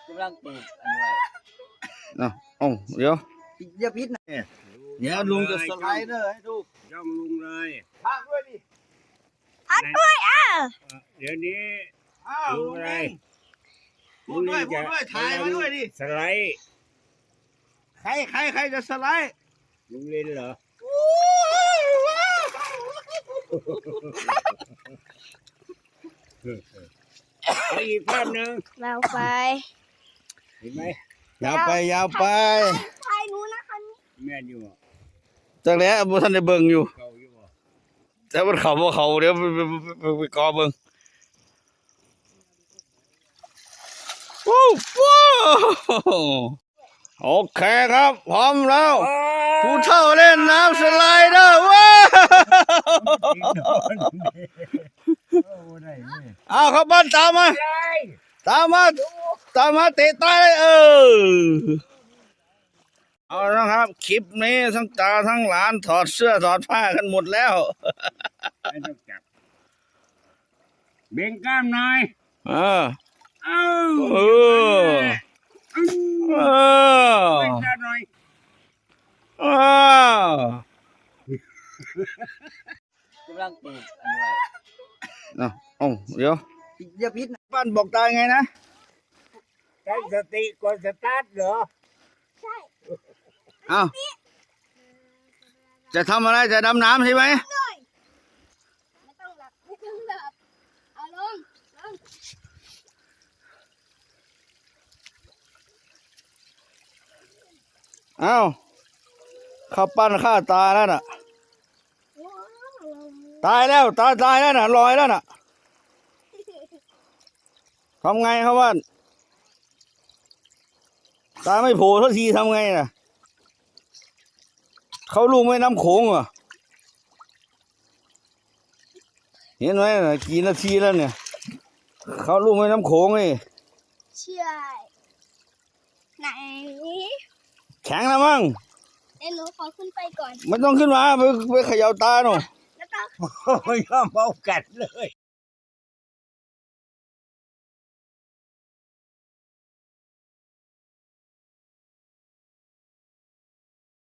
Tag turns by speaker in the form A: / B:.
A: กำลังปลูกอันนี้ไว้
B: เนาะเดี๋ยว
A: อย่าพิษนะเดี๋ยวลุงจะสไลเดอร์ให้ดู
C: ย่องลุงเลย
A: พักด้วยดิ
D: พักด้วย
C: เดี๋ยวนี้
A: ลุงอะไรพูดด้วยถ่ายมาด้วยดิ
C: สไลด์
A: ใครจะสไลด์
C: ลุงเล่นเหรอเอาอีกภาพหนึ่ง
D: เราไป
C: เห็นไหม
B: ยาวไป
D: ถ่ายหนูนะคะ
C: แม่นอยู่
B: จากแล้วบ่ทันได้เบิ่งอยู่
C: เก่าอยู่บ่
B: แต่มันเขาบ่เขาเดี๋ยวไปกอเบิ่งว้าวโอเคครับพร้อมแล้วผู้เฒ่าเล่นน้ำสไลเดอร์ว้าวเอาครับบ้านตามมาเตะตายเลยเอาละครับคลิปนี้ทั้งตาทั้งหลานถอดเสื้อถอดผ้ากันหมดแล้ว
C: ไม่ต้องจับเบ่งกล้ามหน่อย
B: เออ
C: เบ่งกล้ามหน่อย
A: กำลังปลูกอันนี้ไว้
B: เนาะเดี๋ยว
A: อย่าพิษนะ
B: บ้านบอกตายไงนะ
C: ตั้งสติก่อนสตาร์ทเหรอ
D: ใช่
B: เอาจะทำอะไรจะดำน้ำใช่ไหม
D: ไม่ต้องหลับเอาลง
B: เอาข้าปั้นข้าตายแล้วน่ะตายแล้วตายแล้วน่ะลอยแล้วน่ะทำไงครับว่าตาไม่โผล่ทันทีทำไงน่ะเขาลูกไม่น้ำโขงเหรอเห็นไหมน่ะกี่นาทีแล้วเนี่ยเขาลูกไม่น้ำโขงนี่
D: ใช่ไหน
B: แข็งแล้วมั้ง
D: เดี๋ยวหนูขอขึ้นไปก่อน
B: ไม่ต้องขึ้นมาไปเขย่าตาหนู
D: แล้วก็
C: ไม่ยอมเอากัดเลย